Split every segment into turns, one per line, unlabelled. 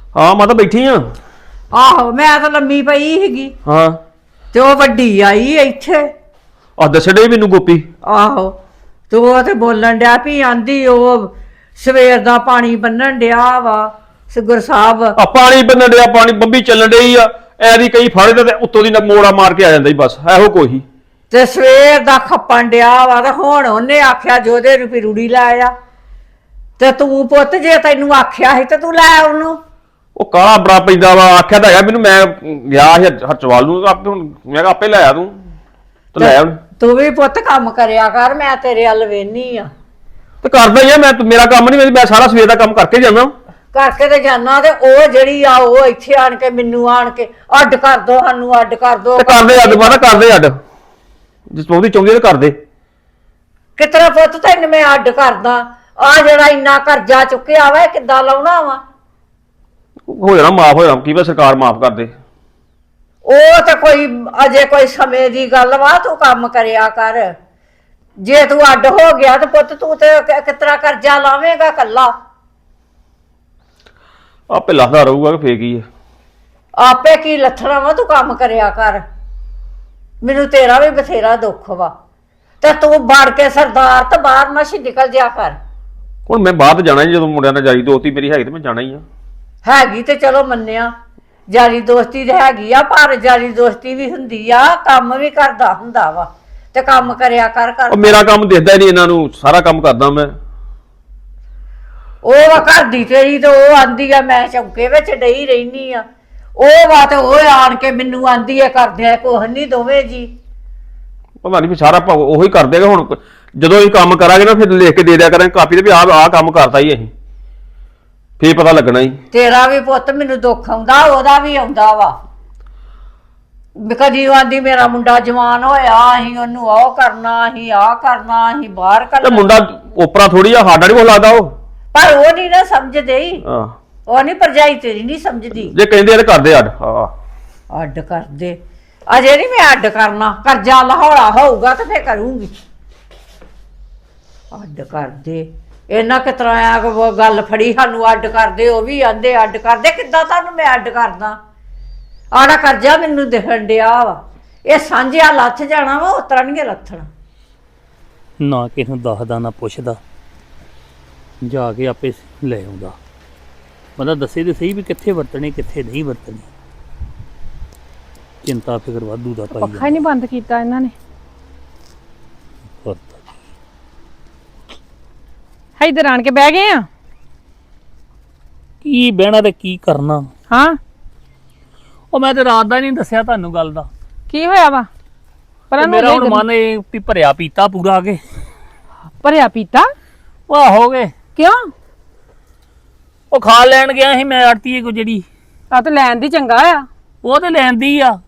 ਹਾਂ ਮਾਤਾ ਬੈਠੀ ਆ।
ਆਹੋ ਮੈਂ ਤਾਂ ਲੰਮੀ ਪਈ ਸੀਗੀ
ਹਾਂ
ਤੇ ਉਹ ਵੱਡੀ ਆਈ ਇੱਥੇ।
ਆ ਦੱਸੜੇ ਮੈਨੂੰ ਗੋਪੀ।
ਆਹੋ ਤੇ ਉਹ ਤੇ ਬੋਲਣ ਡਿਆ ਵੀ ਆਂਦੀ ਉਹ ਸਵੇਰ ਦਾ ਪਾਣੀ ਬੰਨਣ ਡਿਆ ਵਾ ਸਿਗਰ ਸਾਹਿਬ।
ਆ ਪਾਣੀ ਬੰਨਣ ਡਿਆ, ਪਾਣੀ ਬੰਬੀ ਚੱਲਣ ਡਈ ਆ, ਐਦੀ ਕਈ ਫਾੜੇ ਤੇ ਉੱਤੋਂ ਦੀ ਮੋੜਾ ਮਾਰ ਕੇ ਆ ਜਾਂਦਾ ਹੀ ਬਸ, ਇਹੋ ਕੋਈ।
ਤੇ ਸਵੇਰ ਦਾ ਖੱਪਣ ਡਿਆ ਵਾ ਤੇ ਹੁਣ ਉਹਨੇ ਆਖਿਆ ਜੋਦੇ ਰੁਪਈ ਰੂੜੀ ਲੈ ਆ। ਤੇ ਤੂੰ ਪੁੱਤ ਜੇ ਤੈਨੂੰ ਆਖਿਆ ਸੀ ਤੇ ਤੂੰ ਲੈ ਉਹਨੂੰ।
ਉਹ ਕਾਲਾ ਬੜਾ ਪੈਂਦਾ ਵਾ, ਆਖਿਆ ਤਾਂ ਹੈਗਾ ਮੈਨੂੰ, ਮੈਂ ਗਿਆ ਸੀ ਹਰਚਵਾਲ ਨੂੰ ਆਪੇ, ਹੁਣ ਮੈਂ ਕਿਹਾ ਆਪੇ ਲੈ ਆ ਤੂੰ ਤੇ ਲੈ ਹੁਣ।
ਤੂੰ ਵੀ ਪੁੱਤ ਕੰਮ ਕਰਿਆ ਕਰ, ਮੈਂ ਤੇਰੇ ਵੱਲ ਵੇਹਨੀ ਆ।
ਤੇ ਕਰਦਾ ਹੀ ਆ ਮੈਂ, ਮੇਰਾ ਕੰਮ ਨਹੀਂ, ਮੈਂ ਸਾਰਾ ਸਵੇਰ ਦਾ ਕੰਮ ਕਰਕੇ ਜਾਂਦਾ।
ਕਰਕੇ ਤੇ ਜਾਣਾ ਤੇ ਉਹ ਜਿਹੜੀ ਆ ਉਹ ਇੱਥੇ ਆਣ ਕੇ ਮੈਨੂੰ ਆਣ ਕੇ ਅੱਡ ਕਰ ਦੋ, ਸਾਨੂੰ ਅੱਡ ਕਰ ਦੋ।
ਤੇ ਕਰਦੇ ਅੱਡ ਮਾਰਾ, ਕਰਦੇ ਅੱਡ, ਜਿਸ ਚਾਹੁੰਦੀ ਤੇ ਕਰਦੇ।
ਕਿਤਨਾ ਪੁੱਤ ਤੈਨੂੰ ਮੈਂ ਅੱਡ ਕਰਦਾ? ਆ ਜਿਹੜਾ ਇੰਨਾ ਕਰਜ਼ਾ ਚੁੱਕਿਆ ਵਾ ਇਹ ਕਿੱਦਾਂ ਲਾਉਣਾ ਵਾ?
ਹੋ ਜਾਣਾ ਮਾਫ, ਹੋ ਜਾਣਾ, ਕੀ ਪਤਾ ਸਰਕਾਰ ਮਾਫ ਕਰ ਦੇ।
ਉਹ ਤਾਂ ਕੋਈ ਅਜੇ ਕੋਈ ਸਮੇਂ ਦੀ ਗੱਲ ਵਾ, ਤੂੰ ਕੰਮ ਕਰਿਆ ਕਰ। ਜੇ ਤੂੰ ਅੱਡ ਹੋ ਗਿਆ ਤੇ ਪੁੱਤ ਤੂੰ ਤੇ ਕਿਤਨਾ ਕਰਜ਼ਾ ਲਾਵੇਂਗਾ ਕੱਲਾ?
ਆਪੇ ਲੱਥਦਾ ਰਹੂਗਾ ਕਿ ਫੇਕ ਹੀ ਆ।
ਆਪੇ ਕੀ ਲੱਥਣਾ ਵਾ, ਤੂੰ ਕੰਮ ਕਰਿਆ ਕਰ। ਮੈਨੂੰ ਤੇਰਾ ਵੀ ਬਥੇਰਾ ਦੁੱਖ ਵਾ ਤੇ ਤੂੰ ਵੜ ਕੇ ਸਰਦਾਰ ਤੇ ਬਾਹਰ ਮਸ਼ੀ ਨਿਕਲ ਜਾ ਕਰ।
ਹੁਣ ਮੈਂ ਬਾਅਦ ਜਾਣਾ ਹੀ, ਜਦੋਂ ਮੁੰਡਿਆਂ ਨਾਲ ਜਾਰੀ ਦੋਸਤੀ ਮੇਰੀ ਹੈਗੀ ਤੇ ਮੈਂ ਜਾਣਾ ਹੀ ਆ।
ਹੈਗੀ ਤੇ ਚਲੋ ਮੰਨਿਆ, ਯਾਰੀ ਦੋਸਤੀ ਤੇ ਹੈਗੀ ਆ, ਪਰ ਯਾਰੀ ਦੋਸਤੀ ਵੀ ਹੁੰਦੀ ਆ, ਕੰਮ ਵੀ ਕਰਦਾ ਹੁੰਦਾ ਵਾ ਤੇ ਕੰਮ ਕਰਿਆ ਕਰ।
ਉਹ ਮੇਰਾ ਕੰਮ ਦਿਖਦਾ ਹੀ ਨਹੀਂ ਇਹਨਾਂ ਨੂੰ, ਸਾਰਾ ਕੰਮ ਕਰਦਾ ਮੈਂ।
ਉਹ ਵਾ ਘਰ ਦੀ ਤੇਰੀ ਤੇ ਉਹ ਆਂਦੀ ਆ ਮੈਂ ਚੌਂਕੇ ਵਿੱਚ ਡਈ ਰਹਿਨੀ ਆ। ਉਹ ਵਾ ਤੇ ਉਹ ਆਣ ਕੇ ਮੈਨੂੰ ਆਂਦੀ ਆ ਕਰਦੇ ਆ ਕੁਛ ਨਹੀਂ ਦੋਵੇਂ ਜੀ।
ਪਤਾ ਨਹੀਂ ਵੀ ਸਾਰਾ ਉਹੀ ਕਰ ਦੇਗਾ। ਹੁਣ ਜਦੋਂ ਅਸੀਂ ਕੰਮ ਕਰਾਂਗੇ ਨਾ ਫਿਰ ਲਿਖ ਕੇ ਦੇ ਦਿਆ ਕਰਾਂਗੇ ਕਾਪੀ ਤੇ ਵੀ ਆਹ ਕੰਮ ਕਰਤਾ ਹੀ ਅਸੀਂ, ਫੇਰ ਪਤਾ ਲੱਗਣਾ ਹੀ।
ਤੇਰਾ ਵੀ ਪੁੱਤ ਮੈਨੂੰ ਦੁੱਖ ਆਉਂਦਾ, ਉਹਦਾ ਵੀ ਆਉਂਦਾ ਵਾ। ਕਦੀ ਉਹ ਆਂਦੀ ਮੇਰਾ ਮੁੰਡਾ ਜਵਾਨ ਹੋਇਆ, ਅਸੀਂ ਉਹਨੂੰ ਉਹ ਕਰਨਾ, ਅਸੀਂ ਆਹ ਕਰਨਾ, ਅਸੀਂ ਬਾਹਰ
ਤੇ
ਕਰਨਾ।
ਮੁੰਡਾ ਓਪਰਾ ਥੋੜੀ ਆ, ਸਾਡਾ ਨਹੀਂ ਕੋ ਲੱਗਦਾ ਉਹ।
ਪਰ ਉਹ ਨਹੀਂ ਨਾ ਸਮਝਦੇ ਹੀ,
ਹਾਂ
ਉਹ ਨਹੀਂ ਭਰਜਾਈ ਤੇਰੀ ਨਹੀਂ ਸਮਝਦੀ।
ਜੇ ਕਹਿੰਦੇ ਆ ਤੇ ਕਰਦੇ ਅੱਡ। ਹਾਂ
ਅੱਡ ਕਰਦੇ ਅਜੇ ਨਹੀਂ ਮੈਂ ਅੱਡ ਕਰਨਾ, ਕਰਜ਼ਾ ਲਾਹੌਰਾ ਹੋਊਗਾ ਤੇ ਫੇਰ ਕਰੂੰਗੀ। ਅੱਡ ਕਰਦੇ ਇਹਨਾਂ ਕਿਤਰਾ ਆ ਗੱਲ ਫੜੀ ਸਾਨੂੰ ਅੱਡ ਕਰਦੇ, ਉਹ ਵੀ ਆਂਦੇ ਅੱਡ ਕਰਦੇ। ਕਿੱਦਾਂ ਤੁਹਾਨੂੰ ਮੈਂ ਅੱਡ ਕਰਦਾ? ਆੜਾ ਕਰਜ਼ਾ ਮੈਨੂੰ ਦਿਖਣ ਡਿਆ ਵਾ, ਇਹ ਸਾਂਝਿਆ ਲੱਥ ਜਾਣਾ ਵਾ, ਉਤਰਾ ਨਹੀਂ ਲੱਥਣਾ।
ਨਾ ਕਿਸੇ ਨੂੰ ਦੱਸਦਾ ਨਾ ਪੁੱਛਦਾ, ਜਾ ਕੇ ਆਪੇ ਲੈ ਆਉਂਦਾ। ਬੰਦਾ ਦੱਸੇ ਤੇ ਸਹੀ ਵੀ ਕਿੱਥੇ ਵਰਤਣੀ ਕਿੱਥੇ ਨਹੀਂ ਵਰਤਣੀ। ਚਿੰਤਾ ਫਿਕਰ ਵਾਧੂ ਦਾ ਪਾਈ
ਪੱਖਾ ਹੀ ਨਹੀਂ ਬੰਦ ਕੀਤਾ ਇਹਨਾਂ ਨੇ। ਇੱਧਰ ਆਣ ਕੇ ਬਹਿ ਗਏ ਆ।
ਕੀ ਬਹਿਣਾ ਤੇ ਕੀ ਕਰਨਾ।
ਹਾਂ
ਉਹ ਮੈਂ ਤੇ ਰਾਤ ਦਾ ਨਹੀਂ ਦੱਸਿਆ ਤੁਹਾਨੂੰ ਗੱਲ ਦਾ।
ਕੀ ਹੋਇਆ ਵਾ? ਪਰ
ਮੇਰਾ ਹੁਣ ਮਨ ਇਹ ਵੀ ਭਰਿਆ ਪੀਤਾ ਪੂਰਾ ਆ ਕੇ।
ਭਰਿਆ ਪੀਤਾ?
ਵਾਹ ਹੋ ਗਏ।
ਕਿਉਂ?
ਉਹ ਖਾ ਲੈਣ ਗਿਆ ਸੀ ਮੈਂ ਆੜਤੀਏ ਕੋ, ਜਿਹੜੀ
ਆ ਤਾਂ ਲੈਣ ਦੀ ਚੰਗਾ ਆ।
ਉਹ ਤੇ ਲੈਂਦੀ ਆ,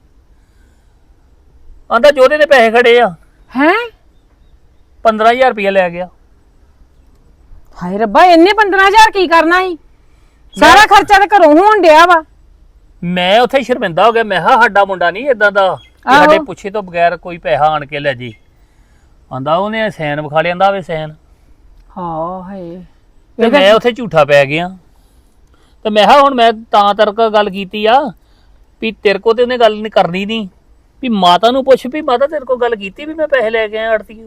ਆਂਦਾ ਜੋਦੇ ਦੇ ਪੈਸੇ ਖੜੇ ਆ।
ਹੈ
15,000 ਰੁਪਇਆ ਲੈ ਗਿਆ।
ਹਾਏ ਰੱਬਾ, ਇੰਨੇ 15,000 ਕੀ ਕਰਨਾ ਸੀ? ਸਾਰਾ ਖਰਚਾ ਤਾਂ ਘਰੋਂ ਹੋਣ ਡਿਆ ਵਾ।
ਮੈਂ ਉੱਥੇ ਸ਼ਰਮਿੰਦਾ ਹੋ ਗਿਆ। ਮੈਂ ਕਿਹਾ ਸਾਡਾ ਮੁੰਡਾ ਨਹੀਂ ਇਦਾਂ ਦਾ ਕਿ ਸਾਡੇ ਪੁੱਛੇ ਤੋਂ ਬਗੈਰ ਕੋਈ ਪੈਸਾ ਆਣ ਕੇ ਲੈ ਜੇ। ਆਂਦਾ ਉਹਨੇ ਸੈਨ ਵਿਖਾ ਲਿਆਂਦਾ ਵੇ ਸੈਨ।
ਹਾਂ ਹਾਏ,
ਤੇ ਮੈਂ ਉੱਥੇ ਝੂਠਾ ਪੈ ਗਿਆ। ਤੇ ਮੈਂ ਕਿਹਾ ਹੁਣ ਮੈਂ ਤਾਂ ਤਰਕ ਗੱਲ ਕੀਤੀ ਆ ਵੀ ਤੇਰੇ ਕੋ ਤੇ ਉਹਨੇ ਗੱਲ ਨਹੀਂ ਕਰਨੀ, ਨਹੀਂ ਵੀ ਮਾਤਾ ਨੂੰ ਪੁੱਛ ਵੀ ਮਾਤਾ ਤੇਰੇ ਕੋ ਗੱਲ ਕੀਤੀ ਵੀ ਮੈਂ ਪੈਸੇ ਲੈ ਕੇ ਆਇਆ ਆੜਤੀਓ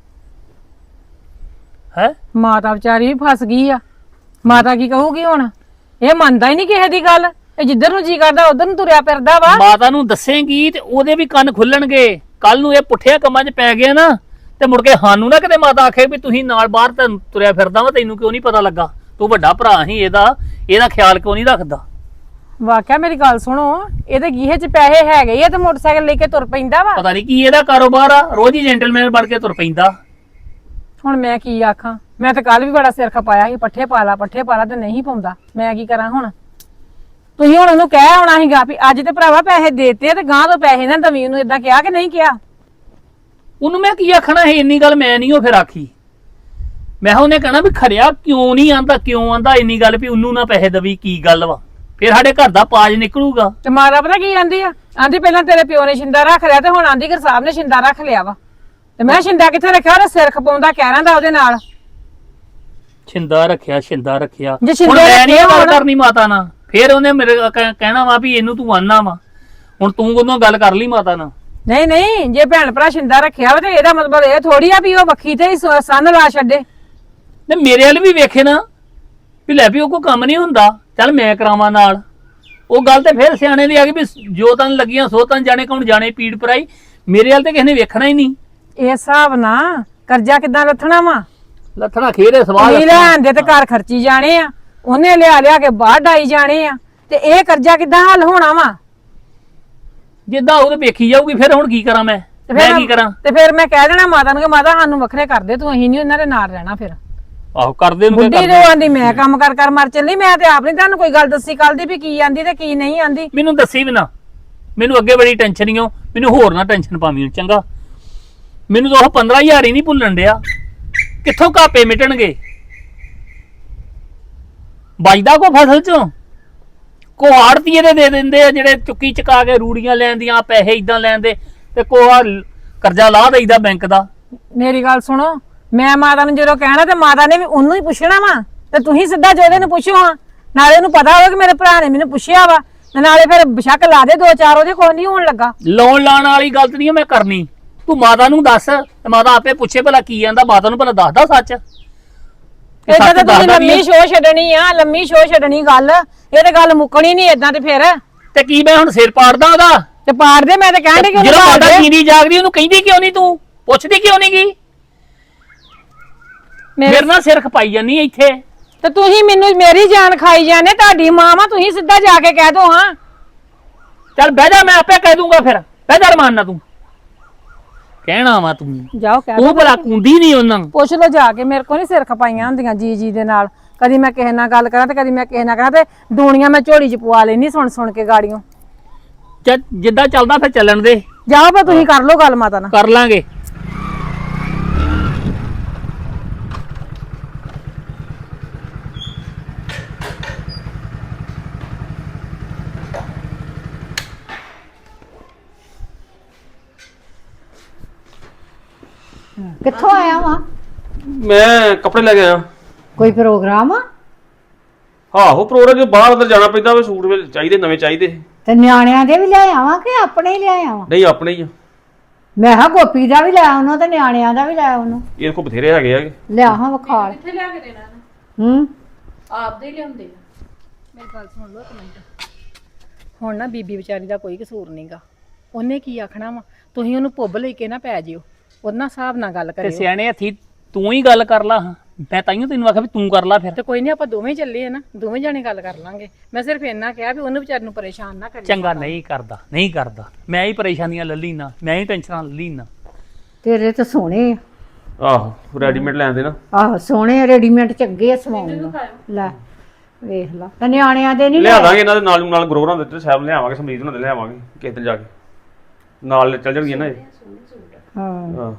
ਹੈ।
ਮਾਤਾ ਵਿਚਾਰੀ ਵੀ ਫਸ ਗਈ ਆ। ਮਾਤਾ ਕੀ ਕਹੂਗੀ ਹੁਣ? ਇਹ ਮੰਨਦਾ ਹੀ ਨਹੀਂ ਕਿਸੇ ਦੀ ਗੱਲ। ਇਹ ਜਿੱਧਰ ਨੂੰ ਜੀ ਕਰਦਾ ਉਧਰ ਨੂੰ ਤੁਰਿਆ ਫਿਰਦਾ ਵਾ।
ਮਾਤਾ ਨੂੰ ਦੱਸੇਂਗੀ ਤੇ ਉਹਦੇ ਵੀ ਕੰਨ ਖੁੱਲਣਗੇ। ਕੱਲ ਨੂੰ ਇਹ ਪੁੱਠਿਆਂ ਕੰਮਾਂ 'ਚ ਪੈ ਗਿਆ ਨਾ ਤੇ ਮੁੜ ਕੇ ਸਾਨੂੰ ਨਾ ਕਿਤੇ ਮਾਤਾ ਆਖੇ ਵੀ ਤੁਸੀਂ ਨਾਲ ਬਾਹਰ ਤੁਰਿਆ ਫਿਰਦਾ ਵਾ, ਤੈਨੂੰ ਕਿਉਂ ਨਹੀਂ ਪਤਾ ਲੱਗਾ? ਤੂੰ ਵੱਡਾ ਭਰਾ ਹੀ ਇਹਦਾ ਖਿਆਲ ਕਿਉਂ ਨਹੀਂ ਰੱਖਦਾ?
ਵਾਕਿਆ ਮੇਰੀ ਗੱਲ ਸੁਣੋ, ਇਹਦੇ ਗੀਹੇ 'ਚ ਪੈਸੇ ਹੈਗੇ ਆ ਤੇ ਮੋਟਰਸਾਈਕਲ ਲੈ ਕੇ ਤੁਰ ਪੈਂਦਾ ਵਾ।
ਪਤਾ ਨਹੀਂ ਕੀ ਇਹਦਾ ਕਾਰੋਬਾਰ ਆ, ਰੋਜ਼ ਹੀ ਜੈਂਟਲਮੈਨ ਬਣ ਕੇ ਤੁਰ ਪੈਂਦਾ।
ਹੁਣ ਮੈਂ ਕੀ ਆਖਾਂ? ਮੈਂ ਤਾਂ ਕੱਲ ਵੀ ਬੜਾ ਸਿਰ ਖਪਾਇਆ ਸੀ, ਪੱਠੇ ਪਾ ਲਾ ਤੇ ਨਹੀਂ ਪਾਉਂਦਾ। ਮੈਂ ਕੀ ਕਰਾਂ ਹੁਣ? ਤੁਸੀਂ ਹੁਣ ਉਹਨੂੰ ਕਹਿ ਆਉਣਾ ਸੀਗਾ ਵੀ ਅੱਜ ਤੇ ਭਰਾਵਾ ਪੈਸੇ ਦੇਤੇ ਤੇ ਗਾਂ ਤੋਂ ਪੈਸੇ ਨਾ ਦਵੀਂ। ਉਹਨੂੰ ਏਦਾਂ ਕਿਹਾ ਕਿ ਨਹੀਂ ਕਿਹਾ?
ਉਹਨੂੰ ਮੈਂ ਕੀ ਆਖਣਾ ਹੈ? ਇੰਨੀ ਗੱਲ ਮੈਂ ਨਹੀਂ ਉਹ ਫਿਰ ਆਖੀ। ਮੈਂ ਉਹਨੇ ਕਹਿਣਾ ਵੀ ਖਰਿਆ ਕਿਉਂ ਨਹੀਂ ਆਂਦਾ, ਕਿਉਂ ਆਂਦਾ ਇੰਨੀ ਗੱਲ ਵੀ ਉਹਨੂੰ ਨਾ ਪੈਸੇ ਦਵੀ, ਕੀ ਗੱਲ ਵਾ? ਫਿਰ ਸਾਡੇ ਘਰ ਦਾ ਪਾਜ ਨਿਕਲੂਗਾ।
ਤੇ ਮਾਰਾ ਪਤਾ ਕੀ ਆਂਦੀ ਆ? ਆਂਦੀ ਪਹਿਲਾਂ ਤੇਰੇ ਪਿਓ ਨੇ ਸ਼ਿੰਦਾ ਰੱਖ ਲਿਆ ਤੇ ਹੁਣ ਆਂਦੀ ਕਿ ਸਾਹਿਬ ਨੇ ਸ਼ਿੰਦਾ ਰੱਖ ਲਿਆ ਵਾ। ਤੇ ਮੈਂ ਸ਼ਿੰਦਾ ਕਿੱਥੇ ਰੱਖਿਆ? ਉਹਦਾ ਸਿਰ ਖਪਾਉਂਦਾ ਕਹਿਰਾਂ ਦਾ ਉਹਦੇ ਨਾਲ।
ਛਿੰਦਾ ਰੱਖਿਆ
ਜੇ
ਹੁਣ
ਛਿੰਦੇ
ਮੈਂ ਨਹੀਂ
ਰੱਖੇ
ਗੱਲ
ਹੋਣ-
ਕਰਨੀ ਮਾਤਾ ਨਾਲ। ਫਿਰ ਉਹਨੇ ਮੇਰੇ ਕਹਿਣਾ ਵਾ ਵੀ ਇਹਨੂੰ ਤੂੰ ਆਨਾ ਵਾ। ਹੁਣ ਤੂੰ ਉਹਨੂੰ ਗੱਲ ਕਰ ਲਈ ਮਾਤਾ ਨਾਲ।
ਨਹੀਂ ਨਹੀਂ, ਜੇ ਭੈਣ ਭਰਾ ਸ਼ਿੰਦਾ ਰੱਖਿਆ ਵਾ ਤੇ ਇਹਦਾ ਮਤਲਬ ਇਹ ਥੋੜੀ ਆ ਵੀ ਉਹ ਵੱਖੀ ਤੇ ਹੀ ਸੰਨ ਲਾ ਛੱਡੇ।
ਨੇ ਮੇਰੇ ਵੱਲ ਵੀ ਵੇਖੇ ਨਾ ਵੀ ਲੈ ਵੀ ਉਹ ਕੋਈ ਕੰਮ ਨਹੀਂ ਹੁੰਦਾ, ਚੱਲ ਮੈਂ ਕਰਾਵਾਂ ਨਾਲ। ਉਹ ਗੱਲ ਤੇ ਫਿਰ ਸਿਆਣੇ ਦੀ ਆ ਗਈ ਵੀ ਜੋ ਤਨ ਲੱਗੀਆਂ ਸੋ ਤਨ ਜਾਣੇ, ਕੌਣ ਜਾਣੇ ਪੀੜ ਪਰਾਈ। ਮੇਰੇ ਵੱਲ ਤੇ ਕਿਸੇ ਨੇ ਵੇਖਣਾ ਹੀ ਨਹੀਂ।
ਇਹ ਹਿਸਾਬ ਨਾ ਕਰਜ਼ਾ ਕਿੱਦਾਂ ਲੱਥਣਾ ਵਾ?
ਲੱਥਣਾ ਖੇਰੇ ਸਵਾਲ
ਨਹੀਂ ਲੈਣ ਦੇ ਤੇ ਘਰ ਖਰਚੀ ਜਾਣੇ ਆ, ਉਹਨੇ ਲਿਆ ਕੇ ਬਾਹਰ ਡਾਈ ਜਾਣੇ ਆ, ਤੇ ਇਹ ਕਰਜ਼ਾ ਕਿੱਦਾਂ ਹੱਲ ਹੋਣਾ ਵਾ?
ਜਿੱਦਾਂ ਉਹ ਤੇ ਵੇਖੀ ਜਾਊਗੀ। ਫਿਰ ਹੁਣ ਕੀ ਕਰਾਂ ਮੈਂ ਕੀ ਕਰਾਂ?
ਤੇ ਫਿਰ ਮੈਂ ਕਹਿ ਦੇਣਾ ਮਾਤਾ ਨੂੰ ਕਿ ਮਾਤਾ ਸਾਨੂੰ ਵੱਖਰੇ ਕਰ ਦੇ ਤੂੰ, ਅਸੀਂ ਨਹੀਂ ਉਹਨਾਂ ਦੇ ਨਾਲ ਰਹਿਣਾ। ਫਿਰ
ਆਹੋ ਕਰਦੇ ਨੂੰ
ਬੁੱਢੀ ਜੋ ਆਂਦੀ ਮੈਂ ਕੰਮ ਕਰ ਮਰ ਚੱਲੀ, ਮੈਂ ਤੇ ਆਪ ਨਹੀਂ ਤੁਹਾਨੂੰ ਕੋਈ ਗੱਲ ਦੱਸੀ ਕੱਲ ਦੀ ਵੀ ਕੀ ਆਂਦੀ ਤੇ ਕੀ ਨਹੀਂ ਆਂਦੀ।
ਮੈਨੂੰ ਦੱਸੀ ਵੀ ਨਾ, ਮੈਨੂੰ ਅੱਗੇ ਬੜੀ ਟੈਨਸ਼ਨ ਹੀ ਹੋ, ਮੈਨੂੰ ਹੋਰ ਨਾ ਟੈਨਸ਼ਨ ਪਾਵੀਂ ਚੰਗਾ। ਮੈਨੂੰ ਤਾਂ ਉਹ 15,000 ਹੀ ਨਹੀਂ ਭੁੱਲਣ ਡਿਆ, ਕਿੱਥੋਂ ਘਾਪੇ ਮਿਟਣਗੇ? ਬਚਦਾ ਕੋ ਫਸਲ ਚੋਂ? ਕੋ ਆੜਤੀਏ ਦੇ ਦਿੰਦੇ ਆ ਜਿਹੜੇ ਚੁੱਕੀ ਚਕਾ ਕੇ ਰੂੜੀਆਂ ਲੈਂਦੀਆਂ ਪੈਸੇ ਇਦਾਂ ਲੈਂਦੇ, ਤੇ ਕੋ ਆ ਕਰਜ਼ਾ ਲਾਹ ਦੇਈਦਾ ਬੈਂਕ ਦਾ।
ਮੇਰੀ ਗੱਲ ਸੁਣੋ, ਮੈਂ ਮਾਤਾ ਨੂੰ ਜਦੋਂ ਕਹਿਣਾ ਤੇ ਮਾਤਾ ਨੇ ਵੀ ਉਹਨੂੰ ਹੀ ਪੁੱਛਣਾ ਵਾ, ਤੇ ਤੁਸੀਂ ਸਿੱਧਾ ਜੋਦੇ ਨੂੰ ਪੁੱਛੋ ਹਾਂ। ਨਾਲੇ ਉਹਨੂੰ ਪਤਾ ਹੋਵੇ ਕਿ ਮੇਰੇ ਭਰਾ ਨੇ ਮੈਨੂੰ ਪੁੱਛਿਆ ਵਾ, ਤੇ ਨਾਲੇ ਫਿਰ ਬਸ਼ੱਕ ਲਾ ਦੇ 2-4 ਉਹਦੇ ਕੋਈ ਨਹੀਂ ਹੋਣ ਲੱਗਾ।
ਲਾਉਣ ਲਾਣ ਵਾਲੀ ਗਲਤ ਨਹੀਂ ਮੈਂ ਕਰਨੀ। ਤੂੰ ਮਾਤਾ ਨੂੰ ਦੱਸ ਤੇ ਮਾਤਾ ਆਪੇ ਪੁੱਛੇ ਭਲਾ ਕੀ ਆਂਦਾ, ਮਾਤਾ ਨੂੰ ਭਲਾ ਦੱਸਦਾ ਸੱਚ।
ਏਦਾਂ ਤਾਂ ਤੁਸੀਂ ਲੰਮੀ ਸ਼ੋਅ ਛੱਡਣੀ ਆ, ਲੰਮੀ ਸ਼ੋਅ ਛੱਡਣੀ ਗੱਲ, ਇਹ ਤੇ ਗੱਲ ਮੁੱਕਣੀ ਨਹੀਂ ਏਦਾਂ। ਤੇ ਫਿਰ
ਤੇ ਕੀ ਮੈਂ ਹੁਣ ਸਿਰ ਪਾੜਦਾ ਉਹਦਾ?
ਤੇ ਪਾੜ ਦੇ, ਮੈਂ ਤੇ ਕਹਿਣ ਡਈ ਕਿ
ਜਦੋਂ
ਉਹਨੂੰ
ਮਾਤਾ ਜੀਂਦੀ ਜਾਗਦੀ ਉਹਨੂੰ ਕਹਿੰਦੀ ਕਿਉਂ ਨਹੀਂ? ਤੂੰ ਪੁੱਛਦੀ ਕਿਉਂ ਨਹੀਂ ਗਈ? ਮੇਰੇ ਨਾਲ ਸਿਰ ਖਪਾਈ ਜਾਨੀ ਇੱਥੇ।
ਤੇ ਤੁਸੀਂ ਮੈਨੂੰ ਮੇਰੀ ਜਾਨ ਖਾਈ ਜਾਂਦੇ, ਤੁਹਾਡੀ ਮਾਂ ਵਾ, ਤੁਸੀਂ ਸਿੱਧਾ ਜਾ ਕੇ ਕਹਿ ਦੋ ਹਾਂ।
ਚੱਲ ਬਹਿ ਜਾ, ਮੈਂ ਆਪੇ ਕਹਿ ਦੂੰਗਾ। ਫਿਰ ਬਹਿ ਜਾ ਰਮਾਨ ਨਾ, ਤੂੰ ਕਹਿਣਾ ਵਾ ਤੂੰ।
ਜਾਓ ਕਹਿ
ਉਹ ਭਲਾ ਕੁੰਦੀ ਨਹੀਂ ਉਹਨਾਂ ਨੂੰ।
ਪੁੱਛ ਲੋ ਜਾ ਕੇ, ਮੇਰੇ ਕੋਲ ਨਹੀਂ ਸਿਰ ਖਪਾਈਆਂ ਹੁੰਦੀਆਂ ਜੀ ਦੇ ਨਾਲ। ਕਦੀ ਮੈਂ ਕਿਸੇ ਨਾਲ ਗੱਲ ਕਰਾਂ ਤੇ ਕਦੀ ਮੈਂ ਕਿਸੇ ਨਾਲ ਕਰਾਂ, ਤੇ ਦੂਣੀਆਂ ਮੈਂ ਝੋਲੀ 'ਚ ਪਵਾ ਲੈਣੀ ਸੁਣ ਕੇ ਗਾੜੀਆਂ।
ਜਿੱਦਾਂ ਚੱਲਦਾ ਫਿਰ ਚੱਲਣ ਦੇ।
ਜਾਓ ਪਰ ਤੁਸੀਂ ਕਰ ਲੋ ਗੱਲ ਮਾਤਾ ਨਾਲ।
ਕਰ ਲਾਂਗੇ।
ਕਿੱਥੋਂ ਆਇਆ ਵਾ?
ਮੈਂ ਕੱਪੜੇ ਲੈ ਕੇ ਆਇਆ।
ਕੋਈ ਪ੍ਰੋਗਰਾਮ ਆ?
ਆਹੋ ਪ੍ਰੋਗਰਾਮ, ਬਾਹਰ ਅੰਦਰ ਜਾਣਾ ਪੈਂਦਾ ਵੇ, ਸੂਟ ਵੇ ਚਾਹੀਦੇ, ਨਵੇਂ ਚਾਹੀਦੇ।
ਤੇ ਨਿਆਣਿਆਂ ਦੇ ਵੀ ਲੈ ਆਵਾਂ ਕਿ ਆਪਣੇ ਹੀ ਲੈ ਆਵਾਂ?
ਨਹੀਂ ਆਪਣੇ ਹੀ ਆ।
ਮੈਂ ਕਿਹਾ ਗੋਪੀ ਦਾ ਵੀ ਲੈ ਆਉਣਾ ਤੇ ਨਿਆਣਿਆਂ ਦਾ ਵੀ ਲੈ ਆਉਣਾ।
ਇਹ ਕੋ ਬਥੇਰੇ ਹੈਗੇ ਆ।
ਲਿਆ ਹਾਂ ਵਿਖਾਲ।
ਕਿੱਥੇ ਲਿਆ ਕੇ ਦੇਣਾ? ਆਪਦੇ ਹੀ ਲਿਆਉਂਦੇ ਆ। ਮੇਰੀ ਗੱਲ ਸੁਣ ਲਓ ਇੱਕ ਮਿੰਟ। ਹੁਣ ਨਾ ਬੀਬੀ ਵਿਚਾਰੀ ਦਾ ਕੋਈ ਕਸੂਰ ਨਹੀਂਗਾ, ਉਹਨੇ ਕੀ ਆਖਣਾ ਵਾ? ਤੁਸੀਂ ਉਹਨੂੰ ਪੁੱਬ ਲੈ ਕੇ ਨਾ ਪੈ ਜਿਓ, ਉਹਦੇ ਨਾਲ ਹਿਸਾਬ ਨਾਲ ਗੱਲ
ਤੇ
ਕਰਿਓ।
ਸਿਆਣੇ ਹੱਥੀ ਤੂੰ ਹੀ ਗੱਲ ਕਰ ਲਾ। ਮੈਂ ਤਾਈਓ ਤੈਨੂੰ ਆਖਿਆ ਵੀ ਤੂੰ ਕਰ ਲਾ। ਫਿਰ
ਤੇ ਕੋਈ ਨਹੀਂ, ਆਪਾਂ ਦੋਵੇਂ ਚੱਲੇ ਆ ਨਾ, ਦੋਵੇਂ ਜਾਣੇ ਗੱਲ ਕਰ ਲਾਂਗੇ। ਮੈਂ ਸਿਰਫ ਇੰਨਾ ਕਿਹਾ ਵੀ ਉਹਨੂੰ ਵਿਚਾਰ ਨੂੰ ਪਰੇਸ਼ਾਨ ਨਾ ਕਰੀ।
ਚੰਗਾ ਨਹੀਂ ਕਰਦਾ, ਨਹੀਂ ਕਰਦਾ। ਮੈਂ ਹੀ ਪਰੇਸ਼ਾਨੀਆਂ ਲੱਲੀ ਨਾ, ਮੈਂ ਹੀ ਟੈਨਸ਼ਨਾਂ ਲੱਲੀ ਨਾ।
ਤੇਰੇ ਤਾਂ ਸੋਹਣੇ ਆ।
ਆਹੋ ਰੈਡੀਮੇਡ ਲੈਂਦੇ ਨਾ।
ਆਹੋ ਸੋਹਣੇ ਰੈਡੀਮੇਡ ਚੰਗੇ ਆ ਸਵਾਉਣ ਨੂੰ। ਲੈ ਵੇਖ ਲਾ। ਤੇ ਨਿਆਣਿਆਂ ਦੇ ਨਹੀਂ
ਲਿਆ ਦਾਂਗੇ ਇਹਨਾਂ ਦੇ ਨਾਲ ਗਰੋਰਾਂ ਦੇ ਸਾਹਿਬ ਲਿਆਵਾਂਗੇ, ਸਮਰੀਤ ਉਹਨਾਂ ਦੇ ਲਿਆਵਾਂਗੇ ਕਿਸੇ ਦਿਨ ਜਾ ਕੇ, ਨਾਲ ਚੱਲ ਜਾਣਗੇ ਨਾ ਇਹ।
ਹਾਂ